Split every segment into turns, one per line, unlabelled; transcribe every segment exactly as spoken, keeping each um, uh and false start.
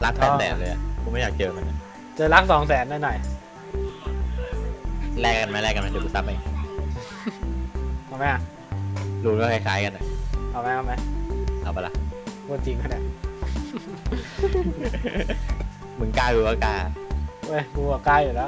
รักแปดแสนเลยกูไม่อยากเจอมัน
เจอรักสองแสนหน่อย
แลกกันไหมแลกกันไหมเดี๋ยวกูซับเอง
ๆเอาไหมอ่ะ
รู้ก็คล้ายๆกัน
เอาไหมเอาไหม
เอาปะล่ะ
พูดจริงขนาด
มึงกล้าหรือว่ากล้า
เว้ยกูกล้าอยู่แล้ว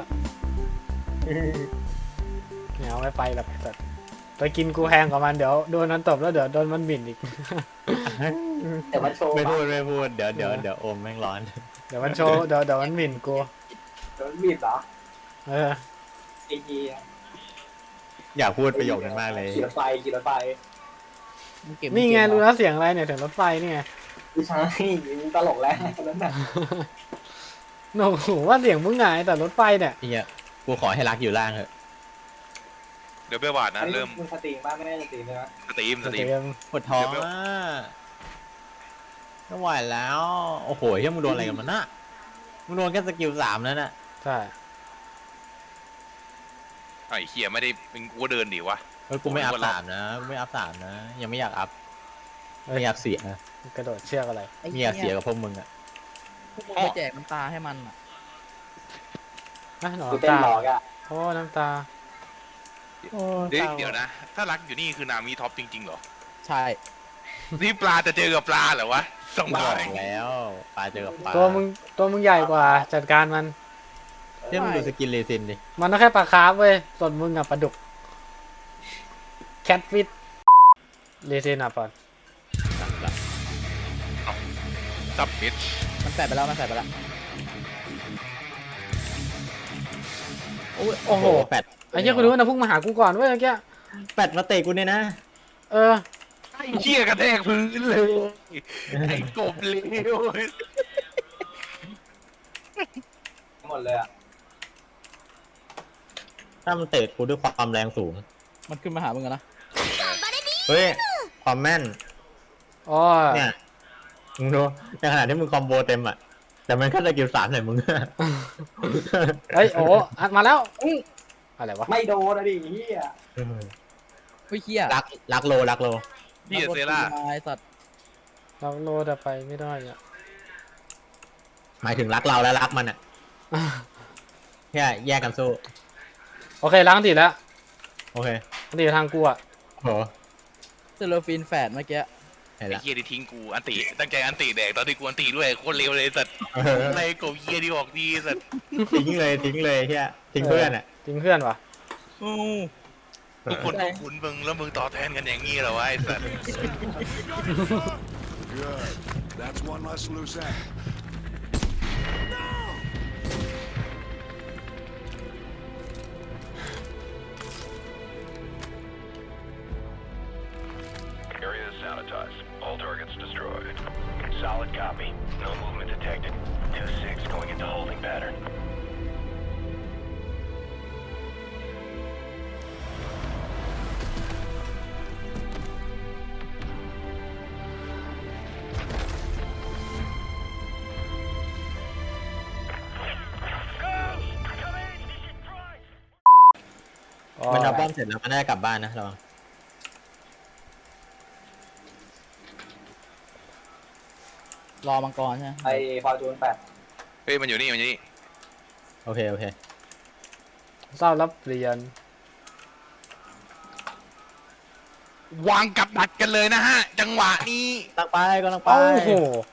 เนี่ยเอาไม่ไปหรอกแต่ไปกินกูแพงกว่ามันเดี๋ยวโดนมันตบแล้วเดี๋ยวโดนมันบิ่นอีก
แต่มันโชว์
ไม่พูดไม่พูดเดี๋ยวเดี๋ยวเดี๋ยวโอมแม่งร้อน
เดี๋ยวมันโชว์เดี๋ยวเดี๋ยวมันบิ่นกู
โดนบีบเหรอ
เออ
ไอ้เหี้ย
อยากพูดประโยคนั้นมากเลย
ขี่รถไฟขี่รถไฟ
นี่ไงรู้แล้วเสียงอะไรเนี่ยถึงรถไฟนี่ไง
ไม่ใช่มึงตลกแล้วนั่นน่ะ
โอ้โหว่าเสียงมึงไงแต่รถไฟเนี่ย
เฮียกูขอให้รักอยู่ล่างเถอะ
เดี๋ยวเบลวาดนะเริ่ม
มึงสตรีมบ้างไม่ได้สตรีมใช่ไหม
สตรีมสตรีม
เตรียม
ปวดท้องอ่ะไม่ไหวแล้วโอ้โหเฮียมึงโดนอะไรกันมันน่ะมึงโดนแค่สกิลสามแล้วน่ะ
ใช่
ไอ้เฮียไม่ได้มึงกูเดินดิวะ
เฮ้ยกูไม่อัพสามนะกูไม่อัพสามนะยังไม่อยากอัพไม่อยากเสียนะ
กระโดดเชือกอะไร
ไม่อยากเสียกับพวกมึงอ่ะ
พวกมึงไปแจกน้ำตาให้มันอ่ะ
นะหนอ
กู
น้ำ
เต้น
ตา
หลอกอ่ะ
โอ้น้ำตา
เดี๋ยวเดี๋ยวนะ ถ้ารักอยู่นี่คือนามีท็อปจริงๆเหรอ
ใช่
นี่ปลาจะเจอกับปลาเหรอวะสอง
บ
บา
อ
ท
กแล้วปลาเจอกับปลา
ตัวมึงตัวมึงใหญ่กว่าจัดการมัน
เฮียมึงดูสกินเลซินดิ
มันต้องแค่ปลาคาร์ฟเว้ยส่วนมึงอะปลาดุกแคทฟิตเลเซนอะปอน
ซับมิด
มันใส่ไปแล้วมันใส่ไปแล้ว
โอ้ยโอ้โห
แปด
ไอ้เหี้ยกูรู้นะพุ่งมาหากูก่อนเว้ยเมื่อกี้
แปดมาเตะกูเนี่ยนะ
เออ
ไอ้เฮียกระแทกพื้นเลยไอ้กบเลว
หมดเลยอ่ะ
ถ้ามันเตะกูด้วยความแรงสูง
มันขึ้นมาหามึงอะนะ
เฮ้ยความแม่น
อ๋อ
เนี่ยมึงดูในขณะที่มึงคอมโบเต็มอ่ะแต่มันแค่สกิลสามใส่มึง
เฮ้ยโอ้อัดมาแล้วอื้ออะไรวะ
ไม่โดนอะดิเหี้ย
เฮ้ยเฮีย
รักรักโลรักโล
เฮียเซล่า
ไอ้สัตว์
เราโลดอะไปไม่ได้อะ
หมายถึงรักเราและรักมันอ่ะแค่แยกกันสู้
โอเคล้างติดแล้ว
โอเค
อันติดทางกูอะ
โห
เซโลฟินแฝดเมื่อกี้
เห็น
ไอ้
ละ
เฮียที่ทิ้งกูอันติตั้งใจอันติแดกตอนที่กูอันติด้วยโคตรเร็วเลยสัตว์ในกบเฮียดีออกดีสัตว์
ทิ้งเลยทิ้งเลยแค่ทิ้งเพื่อนอ่ะ
จริงเพื่อนวะ
ทุกคนก็ขุนมึงแล้วมึงต่อแทนกันอย่างงี้เหรอวะไอ้สัตว์
Good. That's one less loose end.
Area is sanitized. All targets destroyed. Solid copy. No movement detected. two six going into holding pattern. Ghost! Come in! This is Price!
อ๋อ
มันเอาป้อมเสร็จแล้วมันน่าจะกลับบ้านนะระวัง
รอมังกรใช่ไหม
ไอ้ฟอร์จูนแปด
เฮ้ยมันอยู่นี่มันอยู่นี่
โอเคโอเค
เศร้ารับเรียน
วางกับดักกันเลยนะฮะ จังหวะนี้
ตั้งไปก็ตั้งไป
โอ้โห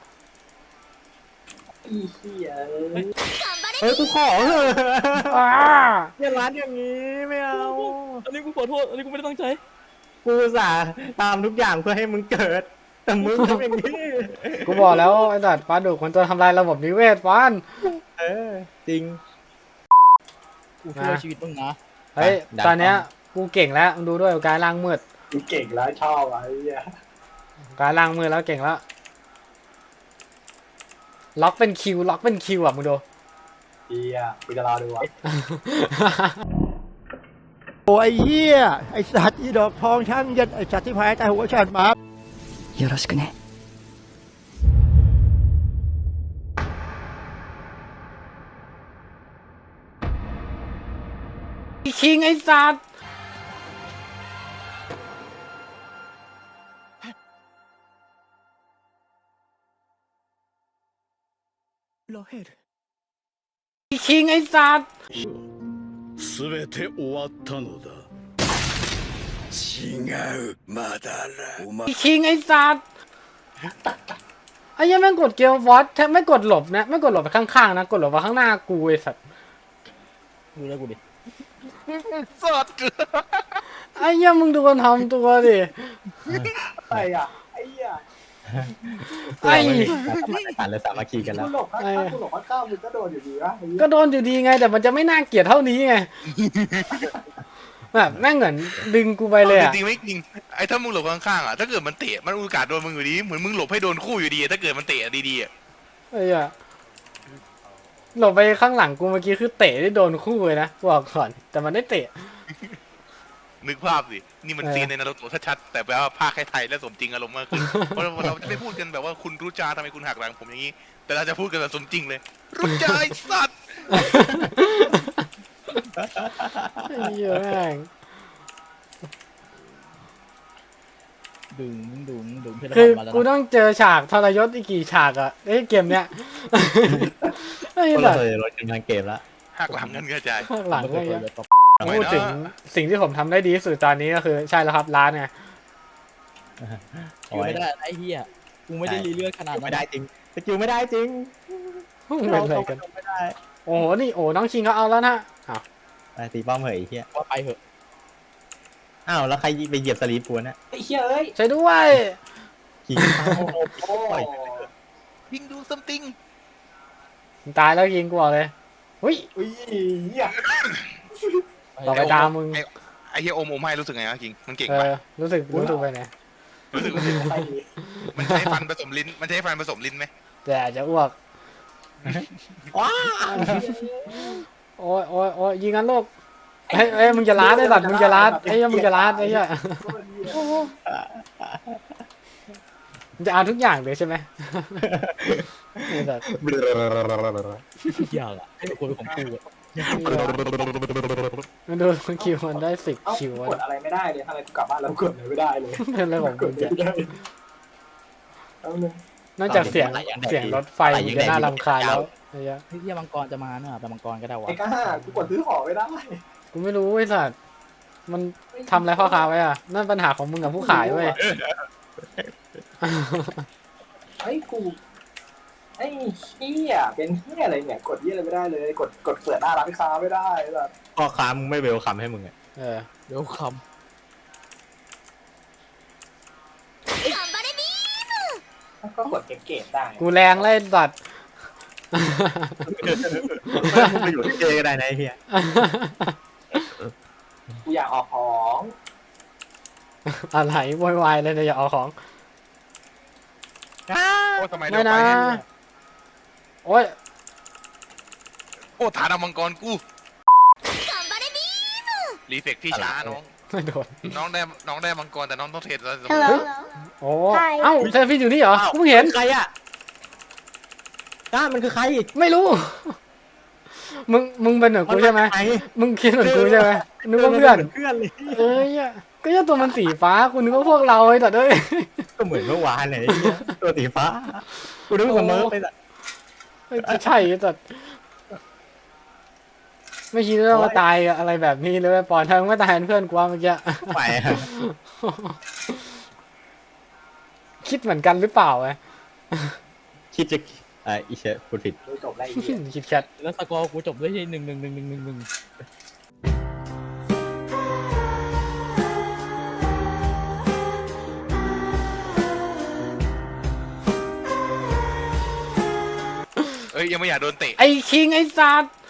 อีเหี้ยเอ้ย
เฮ้ยกูขอเถอะ
อ้า
อย่าร้านอย่างนี้ไม่เอา
อันนี้กูขอโทษอันนี้กูไม่ได้ตั้งใจ
กูอุตสาห์ตามทุกอย่างเพื่อให้มึงเกิด แต่มึงทำอย่างนี้
กูบอกแล้วไอ้สัตว์ปลาดุกมันตัวทำลายระบบนิเวศฟาน
เออจริง
กูช่วยชีวิตมึงนะ
เฮ้ย
ดัน
ตอนเนี้ยกูเก่งแล้วมึงดูด้วยการล้างมืด
กูเก่งแล้วชอบอ่ะไอ้เหี้ย
การล้างมือแล้วเก่งแล้ว ล็อกเป็นคิว ล็อกเป็นคิวอ่ะมึงดู
เหี้ยกูจะรอดูอ่ะ
โอ้ยไอ้เหี้ยไอ้สัตว์อีดอกทองช่างยันไอ้สัตว์ที่พายตายหัวฉันมาよろしくね
คิงไอ้สัตว์ไอ้คิงไอ้สัตว์
全て終わったのだ違うまだだお前
ไอ้คิงไอ้สัตว์ไอ้ยังแม่งกดเกลวอตแทบไม่กดหลบนะไม่กดหลบไปข้างๆนะกดหลบไปข้างหน้ากูไอ้สัตว์
ดูแล้วกูดิ
สด
ไอ้ยังมึงดูคนทำตัวดิ
อะไรอ่ะไอ้เหี้ย
ไอ้
สารเลยสามัคคีกันแล้
กู
ว
หลบข้างๆกูหลบข้างๆมึงก็โดนอยู่ดีวะไอ้เหี้ย
ก็โดนอยู่ดีไงแต่มันจะไม่น่าเกลียดเท่านี้ไงแบบแม่งเหมือนดึงกูไปเลยอะ
จริงๆไม่จริงไอ้ถ้ามึงหลบข้างๆอ่ะถ้าเกิดมันเตะมันโอกาสโดนมึงอยู่ดีเหมือนมึงหลบให้โดนคู่อยู่ดีถ้าเกิดมันเตะดีๆอ่ะ
ไอ้อะหลบไปข้างหลังกูเมื่อกี้คือเตะได้โดนคู่เลยนะบอกก่อนแต่มันได้เตะ
นึกภาพสินี่มัน
เออ
ซีนในนารูโตะชัดๆแต่แปลว่าภาคให้ไทยและสมจริงอารมณ์มากขึ้นเพราะเราจะไม่พูดกันแบบว่าคุณรู้จาทำไมคุณหักหลังผมอย่างนี้ แต่เราจะพูดกันแบบสมจริงเลยรู้จาไอ้สัตว์
ไอ้เหี้ยแม่ง
ดึงดึงดึงเพชร
คือ
มาแล้ว
กู
นะ
ต้องเจอฉากทรยศอีกกี่ฉากอะไอ้เกมเนี้ยไอ้
ก็
แบบ
เลยลดกำลังเกมแล้ว
หักหลังกันกระจาย
ข้างหลัง
ไม่
ไอ้
เคย
เงี้ย
เปิด
พูดถึงสิ่งที่ผมทำได้ดีที่สุดตอนนี้ก็คือใช่แล้วครับร้านไง
คิวไม่ได้ไอ้เหี้ยกูไม่ได้รีเลือดขนาดนั้น
ไม่ได้จริงสกิลไม่ได้จริง
มึงเป็นอะไรกัน
ไม่ได้
โอ้โหนี่โอ้น้องชิงเขาเอาแล้วนะอ้าว
ไปตีป้อมเหยไอ้เหี้ย
ว่าไปเหอะ
อ้าวแล้วใครไปเหยียบสลีปกูนะ
ไอ้เหี้ยเอ้ย
ใช่ด้วย
ขี่
โอ้
ปล่อย
ยิงดูซัมติง
ตายแล้วยิงกูบอกเลยหุ้ย
อุ้ยเหี้ย
ต่อไปตามมึง
ไอ้เฮียโอมโอมให้รู้สึกไงวะคิงมันเก่ง
เอ
ปะ
อรู้สึกรู้สึกไปไหน
รู้สึก
ไปดี
มันใช้ฟันผสมลิ้นมันใช้ฟันผสมลิ้นไหม
แต่อาจจะอ้วก
ว้า
โอ้ยโอ้ยโอ้ยยิงกันลูกเฮ้ยเฮ้ยมึงจะล้าได้สัตว์มึงจะล้าไอ้เหี้ยมึงจะล้าไอ้เหี้ยมึงจะเอาทุกอย่างเลยใช่ไหมไอ้สัตว์
เหี้ยอะไอ้คนของกูอะ
มันดูคิวมันได้สิบ
เอ้า
คิว
ก
อะ
ดอะไรไม่ได้เลยทำไมกูกลับบ้านแล้วกดอะไรไม่ได้เลย
เป็นอะไรของ
ก
มึ
ด
ง
ไม่
เนี่ย
ได้เอาหนึ่ง
นอกจากเสียงเสียงรถไฟมึงจะน่ารำคาญแล้วไอ้เหี้ย
เฮ้ยเหี้ยมังกรจะมาเนอะไปมังกรก็ได้วะ
ไอ้ก้ากูกดซื้อของไม่ได้
กูไม่รู้ไอ้สัตว์มันทำอะไรพ่อค้าไว้อะนั่นปัญหาของมึงกับผู้ขายเว้ย
ไอ้กูไอ้เหี้ยเป็นเหี้ยอะไรเนี่ยกดเหี้ยอะไรไม่ได้เลย กดกดเปิดหน้าร้านค้าไม่ได้แบบ
พ่อค้ามึงไม่เวลคัมให้มึงอ่ะ
เออ
เดี๋ยวค
ก็กดเก็บๆได้
กูแรงเลยสัตว์
มึงไปอยู่ที่เจก็ได้นะไอ้เหี้ย
กูอยากออกของ
อะไรโวยวายเลยเนี่ยอย่าเอาของ
โอ้ทำไมเร็
ไม่
วไป
นะ
เนี่ย
โอ้ย
โอ้ฐานมังกรกูรีเฟกที่ช้าน้อง
ไม่โดน
น้องได้น้องได้มังกรแต่น้องต้องเทรดแล้ว
โอ้เอ้าเซฟี่อยู่นี่เหรอกูเพิ่งเห็น
ใครอ่ะก้ามันคือใคร
ไม่รู้ มึงมึงเป็นเหมือนกูใช่ไหม
นมาจาก
มึงคิดเหมือนกูใช่ไหมนึกว่าเพื่อน
เพื่อนเลย
เอ้ยอะก็ยังตัวมันสีฟ้ากูนึกว่าพวกเราไอ้แต่เด้ย
ก็เหมือนเมื่อวานเลยไอ้เหี้ยตัวสีฟ้ากูนึกว่าเสมอไปละ
ไม่ใช่แต่ไม่คิดว่ามาตายกับอะไรแบบนี้เลยปอนทางไม่ตายแทนเพื่อนกูว่าเมื่อกี้
ไปอะ
คิดเหมือนกันหรือเปล่าไง
คิดจะเอ่ออีเชฟพูดผิด
ดูจบอะไรอีกเนี่ย
คิดแคท
ำแล้วสกอร์กูจบด้วยที่หนึ่งหนึ่งหนึ่งหนึ่งหนึ่งหนึ่ง
เอ้ยยังไม่อยากโดนเตะ
ไอ้คิงไอ้สัตว์